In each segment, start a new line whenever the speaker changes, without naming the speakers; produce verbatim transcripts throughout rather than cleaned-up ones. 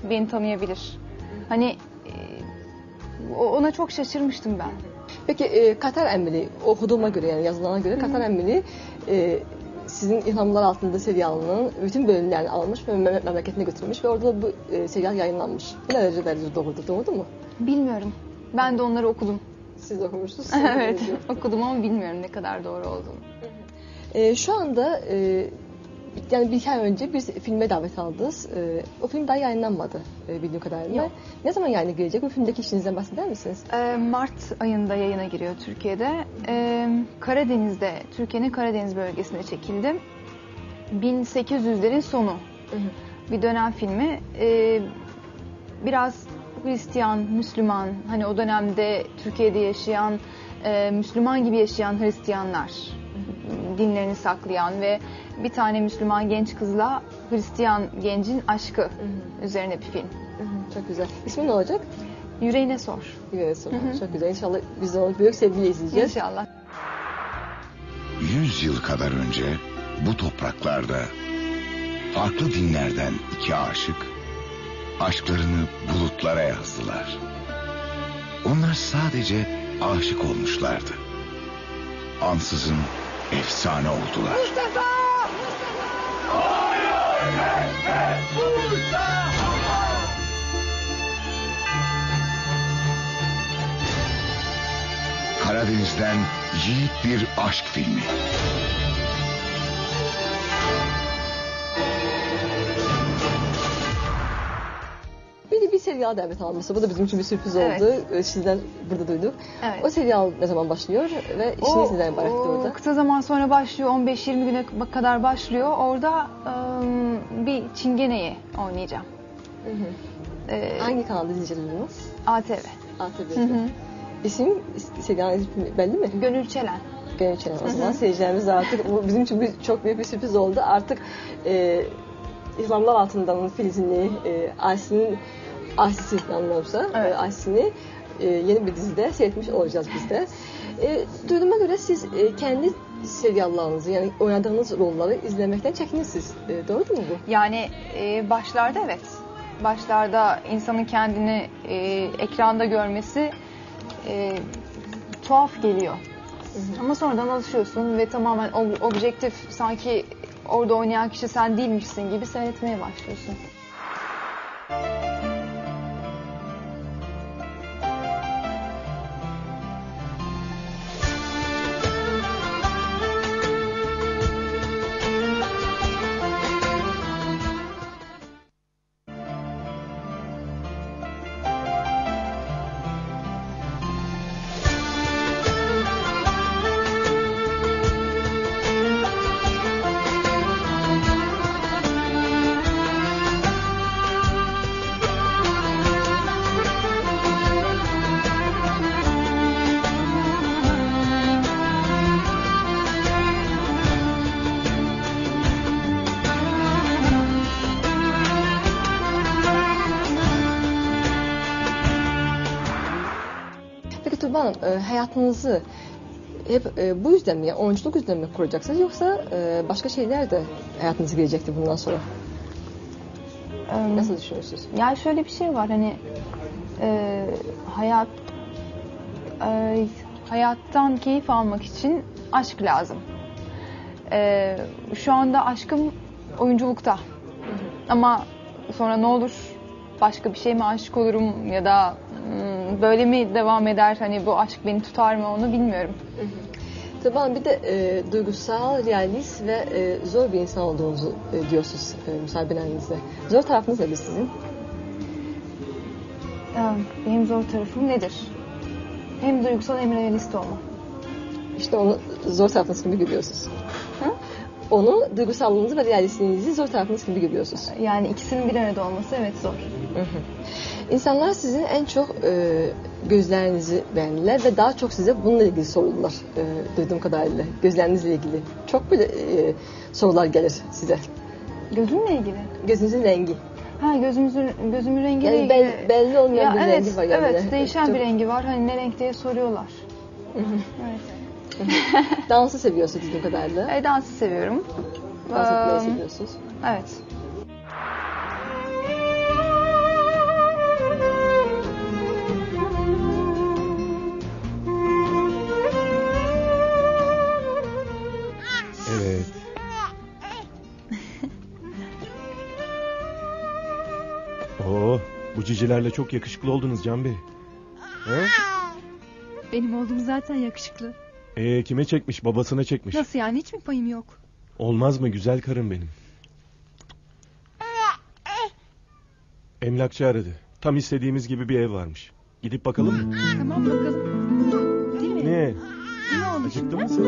beni tanıyabilir. Hani e, ona çok şaşırmıştım ben.
Peki e, Katar Emmeli, okuduğuma göre yani yazılana göre Katar Emmeli e, sizin İlhamlar Altında serialının bütün bölümlerini almış ve memleketine götürmüş ve orada bu e, serial yayınlanmış. Bu ne derece derece doğrudur, doğru mu?
Bilmiyorum. Ben de onları okudum.
Siz de okumuşsunuz.
Evet, okudum ama bilmiyorum ne kadar doğru olduğunu.
E, şu anda e, yani bir ay önce bir filme davet aldınız. E, o film daha yayınlanmadı e, bildiğim kadarıyla.
Yok.
Ne zaman yayına girecek? Bu filmdeki işinizden bahseder misiniz?
Ee, Mart ayında yayına giriyor Türkiye'de. Ee, Karadeniz'de, Türkiye'nin Karadeniz bölgesinde çekildi. bin sekiz yüzlerin sonu
Hı hı.
bir dönem filmi. Ee, biraz Hristiyan, Müslüman, hani o dönemde Türkiye'de yaşayan, e, Müslüman gibi yaşayan Hristiyanlar, dinlerini saklayan ve bir tane Müslüman genç kızla Hristiyan gencin aşkı hı hı. üzerine bir film.
Hı hı, çok güzel. İsmi ne olacak?
Yüreğine Sor.
Yüreğine Sor. Hı hı. Çok güzel. İnşallah biz de onu büyük sevgiyle izleyeceğiz.
İnşallah.
Yüz yıl kadar önce bu topraklarda farklı dinlerden iki aşık aşklarını bulutlara yazdılar. Onlar sadece aşık olmuşlardı. Ansızın efsane oldular.
Mustafa!
Karadeniz'den yiğit bir aşk filmi.
Bir, bir serial davet alması. Bu da bizim için bir sürpriz oldu.
Evet.
Sizden burada duyduk.
Evet.
O serial ne zaman başlıyor ve işiniz neden ibaretti orada?
Kısa zaman sonra başlıyor. on beş yirmi güne kadar başlıyor. Orada ım, bir çingeneyi oynayacağım.
Hı hı.
Ee,
Hangi kanalda izleyeceksiniz?
A T V.
A T V'de. İsim, serialin ismi belli mi?
Gönül Çelen.
Gönül Çelen. O zaman seyircilerimiz artık bu bizim için bir, çok büyük bir sürpriz oldu. Artık e, İslamlar Altında'nın Filizini, e, Aysin'in Aysin'i yanılmıyorsa,
Evet.
e, Aysin'i e, yeni bir dizide seyretmiş olacağız biz de. E, duyduğuma göre siz e, kendi seriallarınızı yani oynadığınız rolleri izlemekten çekinirsiniz. E, doğru mu bu?
Yani e, başlarda evet. Başlarda insanın kendini e, ekranda görmesi e, tuhaf geliyor. Hı hı. Ama sonradan alışıyorsun ve tamamen ob- objektif, sanki orada oynayan kişi sen değilmişsin gibi seyretmeye başlıyorsun.
Peki Tuğba Hanım, e, hayatınızı hep e, bu yüzden mi, yani oyunculuk yüzden mi kuracaksınız yoksa e, başka şeyler de hayatınıza girecektir bundan sonra?
Ee,
Nasıl düşünüyorsunuz?
Yani şöyle bir şey var, hani e, hayat e, hayattan keyif almak için aşk lazım. E, şu anda aşkım oyunculukta. Ama sonra ne olur, başka bir şey mi aşık olurum ya da hmm, böyle mi devam eder, hani bu aşk beni tutar mı, onu bilmiyorum.
Tuğba Hanım, bir de e, duygusal, realist ve e, zor bir insan olduğunuzu e, diyorsunuz e, müsabenenizle. Zor tarafınız nedir sizin?
Ya, benim zor tarafım nedir? Hem duygusal hem realist olma.
İşte onu zor tarafınız gibi görüyorsunuz.
Hı?
Onu duygusallığınızı ve realistliğinizi zor tarafınız gibi görüyorsunuz.
Yani ikisinin bir arada olması evet zor.
Hı hı. İnsanlar sizin en çok e, gözlerinizi beğendiler ve daha çok size bununla ilgili soruldular e, duyduğum kadarıyla. Gözlerinizle ilgili. Çok böyle e, sorular gelir size.
Gözümle ilgili.
Gözünüzün rengi.
Ha, gözümüzün gözümün rengiyle
Yani
ilgili.
bel, belli olmayan
Ya
bir
evet,
rengi var yani.
evet, değişen
Çok-
bir rengi var. Hani ne renk diye soruyorlar.
Hı hı.
Evet.
Dansı seviyorsunuz duyduğum kadarıyla.
E, dansı seviyorum.
Dans etmeyi
Ee,
seviyorsunuz.
Evet.
Oo, bu cicilerle çok yakışıklı oldunuz Can Bey. He?
Benim oğlum zaten yakışıklı.
Ee, kime çekmiş? Babasına çekmiş.
Nasıl yani, hiç mi payım yok?
Olmaz mı güzel karım benim? Emlakçı aradı. Tam istediğimiz gibi bir ev varmış. Gidip bakalım mı?
Tamam bakalım. Değil mi?
Ne?
Ne oldu
Acıktın
şimdi?
mı sen?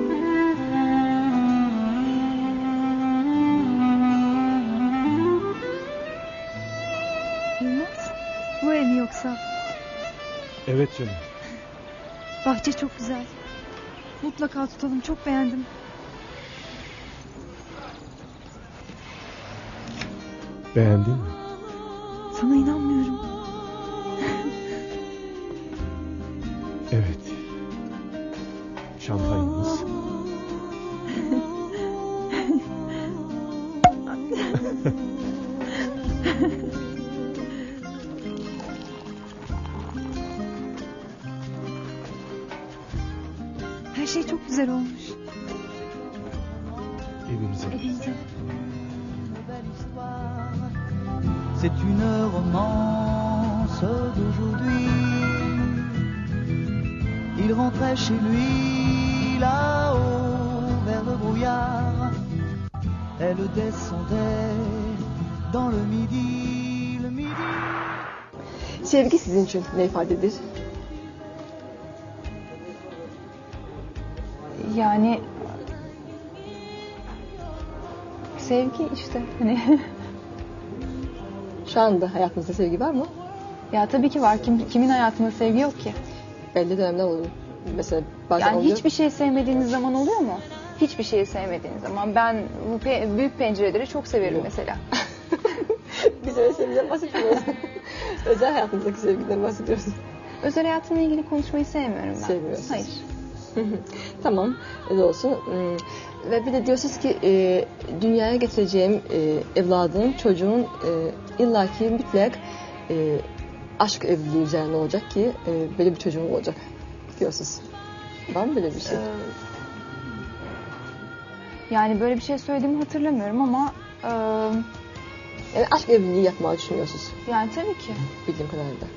Yılmaz, bu ev mi yoksa?
Evet canım.
Bahçe çok güzel. Mutlaka tutalım, çok beğendim.
Beğendin mi?
Sana inanmıyorum.
Evet. Şampanyamız.
Her şey çok güzel olmuş.
Evimize.
Evimize.
C'est une romance d'aujourd'hui. Il rentrait chez lui là-haut vers le brouillard. Elle descendait dans le midi, le midi.
Sevgi sizin için ne ifadedir?
Yani sevgi işte hani
Şu anda hayatınızda sevgi var mı?
ya tabii ki var. Kim, kimin hayatında sevgi yok ki?
Belli dönemler oluyor. Mesela bazen
Yani
oluyor.
hiçbir şey sevmediğiniz zaman oluyor mu? Hiçbir şeyi sevmediğiniz zaman. Ben bu pe- büyük pencereleri çok severim
Yok.
mesela.
Biz öyle sevgiden bahsetmiyoruz. Özel hayatımızdaki sevgiden bahsediyoruz.
Özel hayatımla ilgili konuşmayı sevmiyorum ben.
Sevmiyorsunuz.
Hayır.
Tamam, öyle olsun. Hmm, Ve bir de diyorsunuz ki e, dünyaya getireceğim e, evladın, çocuğun e, illaki mutlak e, aşk evliliği üzerine olacak ki e, böyle bir çocuğum olacak diyorsunuz. Var mı böyle bir şey?
Ee, yani böyle bir şey söylediğimi hatırlamıyorum ama e,
Yani aşk evliliği yapmayı düşünüyorsunuz
yani tabii ki.
bildiğim kadarıyla.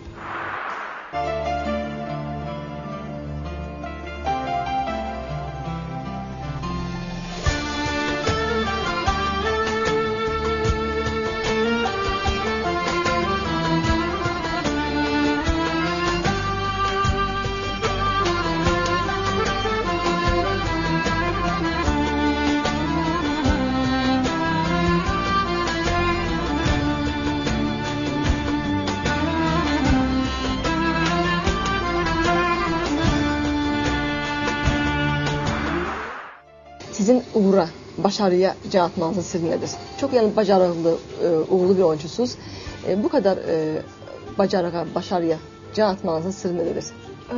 Sizin uğra, başarıya can atmanızın sırrı nedir? Çok yani başarılı, e, uğurlu bir oyuncusunuz. E, bu kadar e, başarıya, başarıya can atmanızın sırrı nedir?
Ee,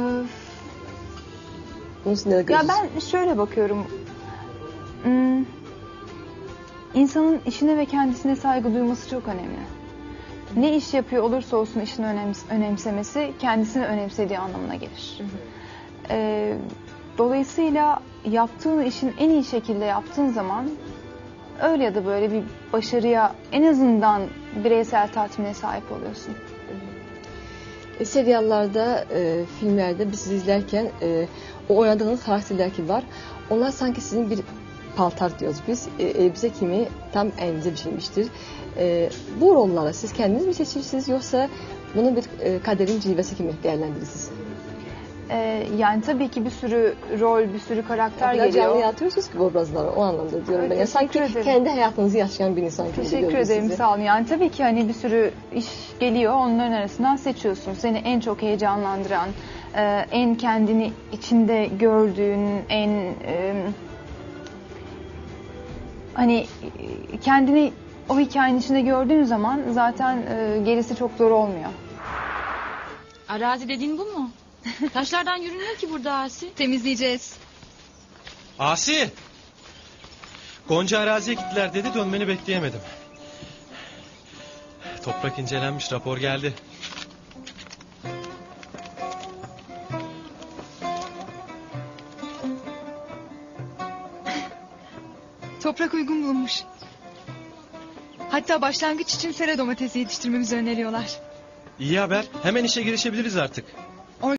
Bunu siz nerede
ya
görüyorsunuz?
ben şöyle bakıyorum. Hmm, insanın işine ve kendisine saygı duyması çok önemli. Ne iş yapıyor olursa olsun işini önems- önemsemesi kendisini önemsediği anlamına gelir. Ee, dolayısıyla yaptığın işin en iyi şekilde yaptığın zaman öyle ya da böyle bir başarıya, en azından bireysel tatmine sahip oluyorsun.
E, seriallarda, e, filmlerde biz sizi izlerken e, o oynadığınız karakterler ki var. Onlar sanki sizin bir paltar diyoruz biz. E, elbise kimi tam elinize biçilmiştir. E, bu rolları siz kendiniz mi seçirsiniz yoksa bunu bir e, kaderin cilvesi gibi değerlendirirsiniz?
Ee, yani tabii ki bir sürü rol, bir sürü karakter
Biraz canlı
geliyor.
yaratıyorsunuz ki bu obrazları, o anlamda diyorum
Evet,
ben. Yani sanki
teşekkür ederim.
kendi hayatınızı yaşayan bir insan gibi
Teşekkür
görüyoruz
ederim,
sizi.
sağ olun. Yani tabii ki hani bir sürü iş geliyor, onların arasından seçiyorsun. Seni en çok heyecanlandıran, e, en kendini içinde gördüğün, en e, hani e, kendini o hikayenin içinde gördüğün zaman zaten e, gerisi çok zor olmuyor.
Arazi dediğin bu mu? Taşlardan yürünüyor ki burada Asi.
Temizleyeceğiz.
Asi! Gonca araziye gittiler dedi, dönmeni bekleyemedim. Toprak incelenmiş, rapor geldi.
Toprak uygun bulmuş. Hatta başlangıç için sera domatesi yetiştirmemizi öneriyorlar.
İyi haber. Hemen işe girişebiliriz artık.